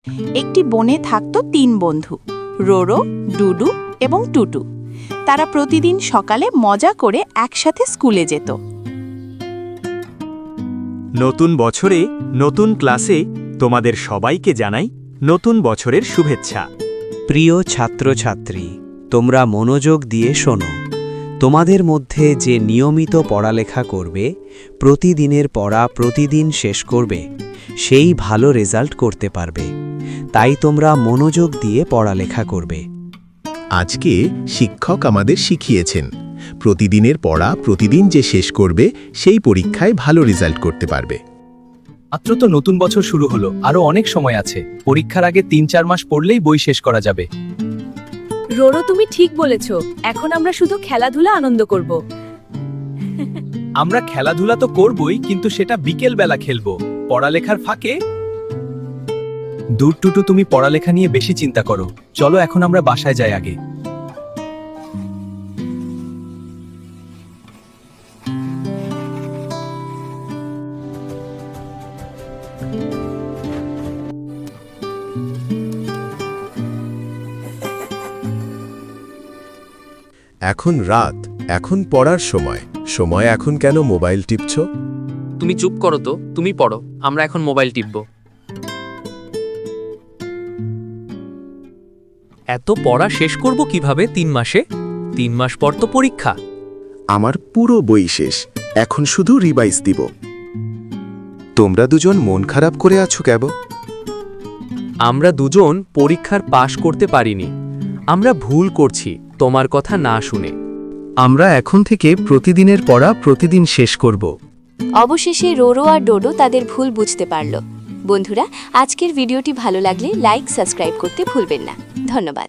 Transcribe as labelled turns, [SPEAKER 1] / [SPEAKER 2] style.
[SPEAKER 1] একটি বনে থাকত 3 বন্ধু, রোরো, ডুডু এবং টুটু। তারা প্রতিদিন সকালে মজা করে একসাথে স্কুলে যেত।
[SPEAKER 2] নতুন বছরে নতুন ক্লাসে তোমাদের সবাইকে জানাই নতুন বছরের শুভেচ্ছা।
[SPEAKER 3] প্রিয় ছাত্রছাত্রী, তোমরা মনোযোগ দিয়ে শোনো। তোমাদের মধ্যে যে নিয়মিত পড়ালেখা করবে, প্রতিদিনের পড়া প্রতিদিন শেষ করবে, সেই ভালো রেজাল্ট করতে পারবে। তাই তোমরা মনোযোগ দিয়ে পড়ালেখা করবে।
[SPEAKER 4] আজকে শিক্ষক আমাদের শিখিয়েছেন প্রতিদিনের পড়া প্রতিদিন যে শেষ করবে সেই পরীক্ষায় ভালো রেজাল্ট করতে পারবে।
[SPEAKER 5] মাত্র তো নতুন বছর শুরু হলো, আরো অনেক সময় আছে। পরীক্ষার আগে 3-4 মাস পড়লেই বই শেষ করা যাবে।
[SPEAKER 6] রোরো, তুমি ঠিক বলেছ। এখন আমরা শুধু খেলাধুলা আনন্দ করব।
[SPEAKER 5] আমরা খেলাধুলা তো করবই, কিন্তু সেটা বিকেল বেলা খেলবো, পড়ালেখার ফাঁকে। দূর টুটু, তুমি পড়ালেখা নিয়ে বেশি চিন্তা করো। চলো এখন আমরা বাসায় যাই আগে।
[SPEAKER 4] এখন রাত, এখন পড়ার সময়। সময় এখন কেন মোবাইল টিপছো?
[SPEAKER 7] তুমি চুপ করো তো, তুমি পড়ো, আমরা এখন মোবাইল টিপব। এত পড়া শেষ করব কিভাবে 3 মাসে? 3 মাস পর তো পরীক্ষা।
[SPEAKER 4] আমার পুরো বই শেষ, এখন শুধু রিভাইজ দিব। তোমরা দুজন মন খারাপ করে আছো কেন?
[SPEAKER 7] আমরা দুজন পরীক্ষার পাশ করতে পারিনি। আমরা ভুল করছি তোমার কথা না শুনে।
[SPEAKER 5] আমরা এখন থেকে প্রতিদিনের পড়া প্রতিদিন শেষ করব।
[SPEAKER 8] অবশেষে রোরো আর ডোডো তাদের ভুল বুঝতে পারল। বন্ধুরা, আজকের ভিডিওটি ভালো লাগলে লাইক, সাবস্ক্রাইব করতে ভুলবেন না। ধন্যবাদ।